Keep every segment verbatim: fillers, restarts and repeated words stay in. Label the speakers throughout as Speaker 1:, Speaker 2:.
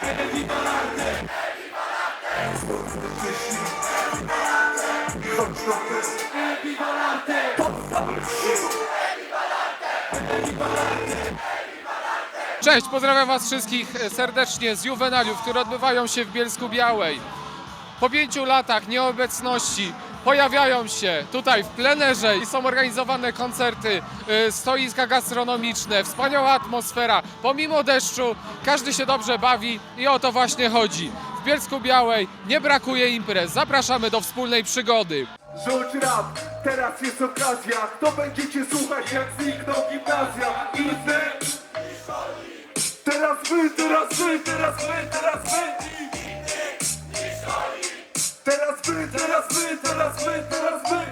Speaker 1: Cześć, pozdrawiam was wszystkich serdecznie z Juwenaliów, które odbywają się w Bielsku-Białej. Po pięciu latach nieobecności pojawiają się tutaj w plenerze i są organizowane koncerty, y, stoiska gastronomiczne, wspaniała atmosfera. Pomimo deszczu każdy się dobrze bawi i o to właśnie chodzi. W Bielsku-Białej nie brakuje imprez. Zapraszamy do wspólnej przygody.
Speaker 2: Rzuć rap, teraz jest okazja. Kto będziecie słuchać, jak znikną gimnazja? Inny. Teraz wy, teraz wy, teraz wy, teraz wy. Teraz wy, teraz wy, teraz wy, teraz wy.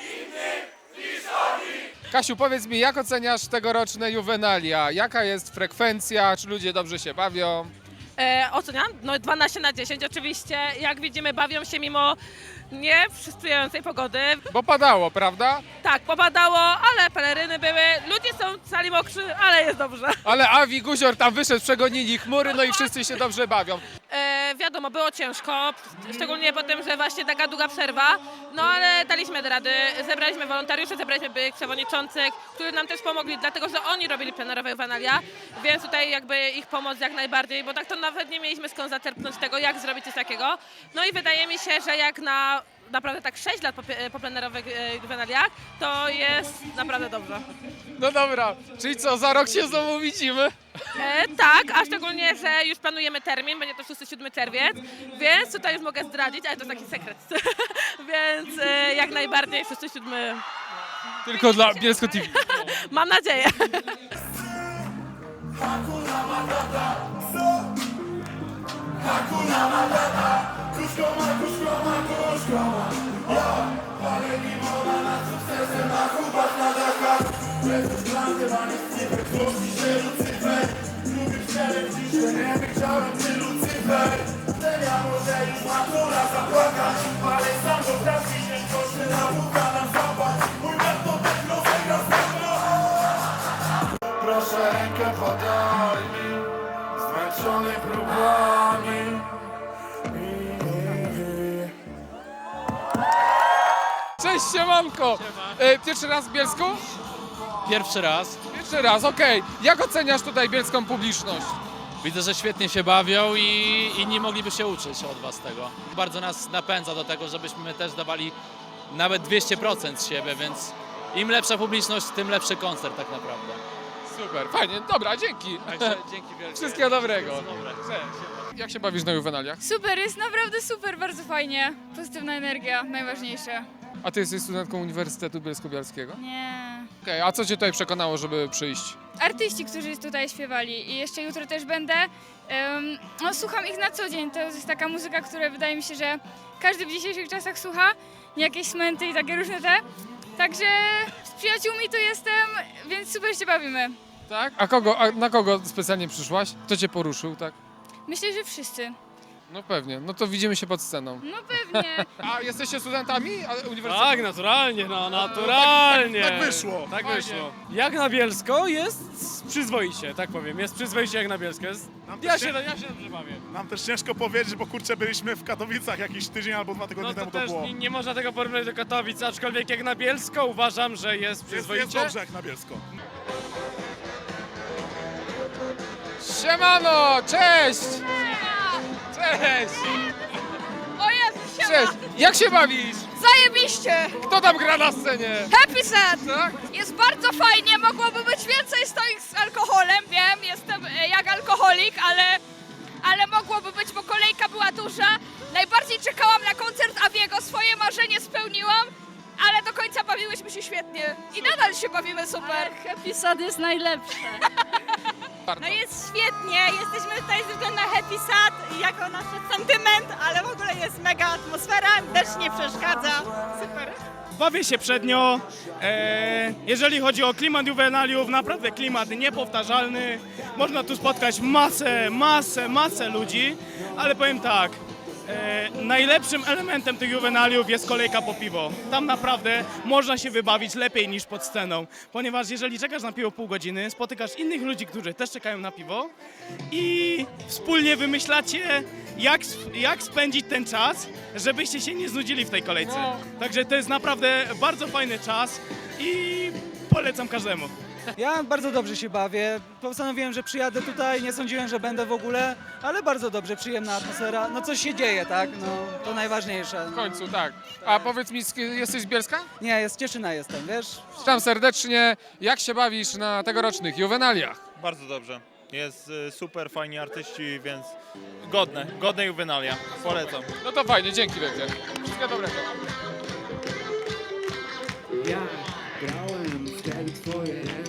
Speaker 1: Kasiu, powiedz mi, jak oceniasz tegoroczne Juwenalia? Jaka jest frekwencja? Czy ludzie dobrze się bawią?
Speaker 3: E, oceniam? No dwanaście na dziesięć oczywiście. Jak widzimy, bawią się mimo nie sprzyjającej pogody.
Speaker 1: Bo padało, prawda?
Speaker 3: Tak, popadało, ale peleryny były. Ludzie są cali mokrzy, ale jest dobrze.
Speaker 1: Ale Awi Guzior tam wyszedł, przegonili chmury, no i wszyscy się dobrze bawią.
Speaker 3: E, wiadomo, było ciężko, szczególnie po tym, że właśnie taka długa przerwa. No ale daliśmy rady. Zebraliśmy wolontariuszy, zebraliśmy byłych przewodniczących, którzy nam też pomogli, dlatego że oni robili plenerowe Juwenalia, więc tutaj jakby ich pomoc jak najbardziej, bo tak to nawet nie mieliśmy skąd zaczerpnąć tego, jak zrobić coś takiego. No i wydaje mi się, że jak na naprawdę tak sześć lat po, po plenerowych e, Juwenaliach, to jest naprawdę dobrze.
Speaker 1: No dobra, czyli co, za rok się znowu widzimy?
Speaker 3: E, tak, a szczególnie, że już planujemy termin, będzie to szósty siódmy czerwiec, więc tutaj już mogę zdradzić, ale to taki sekret. Więc e, jak najbardziej szósty siódmy.
Speaker 1: Tylko dla Bielsko T V.
Speaker 3: Mam nadzieję.
Speaker 2: Proszę rękę podaj mi, zmęczony próbami.
Speaker 1: Cześć, siemanko! E, pierwszy raz w Bielsku?
Speaker 4: Pierwszy raz.
Speaker 1: Pierwszy raz, okej. Jak oceniasz tutaj bielską publiczność?
Speaker 4: Widzę, że świetnie się bawią i inni mogliby się uczyć od was tego. Bardzo nas napędza do tego, żebyśmy też dawali nawet dwieście procent z siebie, więc im lepsza publiczność, tym lepszy koncert tak naprawdę.
Speaker 1: Super, fajnie, dobra, dzięki.
Speaker 4: Także dzięki wielkie.
Speaker 1: Wszystkiego dobrego.
Speaker 4: Dobre.
Speaker 1: Cześć. Jak się bawisz na Juwenaliach?
Speaker 5: Super, jest naprawdę super, bardzo fajnie. Pozytywna energia, najważniejsze.
Speaker 1: A ty jesteś studentką Uniwersytetu Bielsko-Bialskiego?
Speaker 5: Nie.
Speaker 1: Okej, a co cię tutaj przekonało, żeby przyjść?
Speaker 5: Artyści, którzy tutaj śpiewali i jeszcze jutro też będę. Um, no, słucham ich na co dzień, to jest taka muzyka, która wydaje mi się, że każdy w dzisiejszych czasach słucha. Nie jakieś smęty i takie różne te. Także z przyjaciółmi tu jestem, więc super się bawimy.
Speaker 1: Tak? A kogo, a na kogo specjalnie przyszłaś? Kto cię poruszył, tak?
Speaker 5: Myślę, że wszyscy.
Speaker 1: No pewnie, no to widzimy się pod sceną.
Speaker 5: No pewnie.
Speaker 1: A jesteście studentami a- uniwersytetu?
Speaker 6: Tak, naturalnie, no naturalnie.
Speaker 2: tak- tak wyszło.
Speaker 6: Tak
Speaker 1: Fajnie.
Speaker 6: wyszło. Jak na Bielsko jest przyzwoicie, tak powiem. Jest przyzwoicie jak na Bielsko. Jest... Ja, się, ja się dobrze bawię.
Speaker 7: Nam też ciężko powiedzieć, bo kurczę byliśmy w Katowicach jakiś tydzień albo dwa tygodnie
Speaker 6: No to
Speaker 7: temu to
Speaker 6: też
Speaker 7: było.
Speaker 6: nie, nie można tego porównać do Katowic, aczkolwiek jak na Bielsko uważam, że jest
Speaker 7: Jest,
Speaker 6: przyzwoicie.
Speaker 7: jest dobrze jak na Bielsko.
Speaker 1: Siemano, cześć! Cześć!
Speaker 5: O Jezu,
Speaker 1: Cześć! Jak się bawisz?
Speaker 5: Zajebiście!
Speaker 1: Kto tam gra na scenie?
Speaker 5: Happy Sad!
Speaker 1: Tak?
Speaker 5: Jest bardzo fajnie, mogłoby być więcej stoik z alkoholem, wiem, jestem e, jak alkoholik, ale, ale mogłoby być, bo kolejka była duża. Najbardziej czekałam na koncert Awiego, swoje marzenie spełniłam, ale do końca bawiłyśmy się świetnie i nadal się bawimy super.
Speaker 8: Happy Sad jest najlepsze.
Speaker 3: No jest świetnie, jesteśmy tutaj ze względu na Happy Sad jako nasz sentyment, ale w ogóle jest mega atmosfera, też nie przeszkadza. Super.
Speaker 6: Bawię się przednio. E, jeżeli chodzi o klimat juwenaliów, naprawdę klimat niepowtarzalny. Można tu spotkać masę, masę, masę ludzi, ale powiem tak, E, najlepszym elementem tych juwenaliów jest kolejka po piwo. Tam naprawdę można się wybawić lepiej niż pod sceną, ponieważ jeżeli czekasz na piwo pół godziny, spotykasz innych ludzi, którzy też czekają na piwo i wspólnie wymyślacie, jak, jak spędzić ten czas, żebyście się nie znudzili w tej kolejce.
Speaker 1: No.
Speaker 6: Także to jest naprawdę bardzo fajny czas i polecam każdemu.
Speaker 9: Ja bardzo dobrze się bawię. Postanowiłem, że przyjadę tutaj, nie sądziłem, że będę w ogóle, ale bardzo dobrze, przyjemna atmosfera. No coś się dzieje, tak? No to najważniejsze.
Speaker 1: W końcu, tak. A powiedz mi, sk- jesteś z Bielska?
Speaker 9: Nie, jest Cieszyna jestem, wiesz?
Speaker 1: Witam serdecznie. Jak się bawisz na tegorocznych juwenaliach?
Speaker 10: Bardzo dobrze. Jest y, super, fajni artyści, więc godne, godne juwenalia. Polecam.
Speaker 1: No to fajnie, dzięki wielkie. Wszystkiego dobrego.
Speaker 2: Ja grałem w te twoje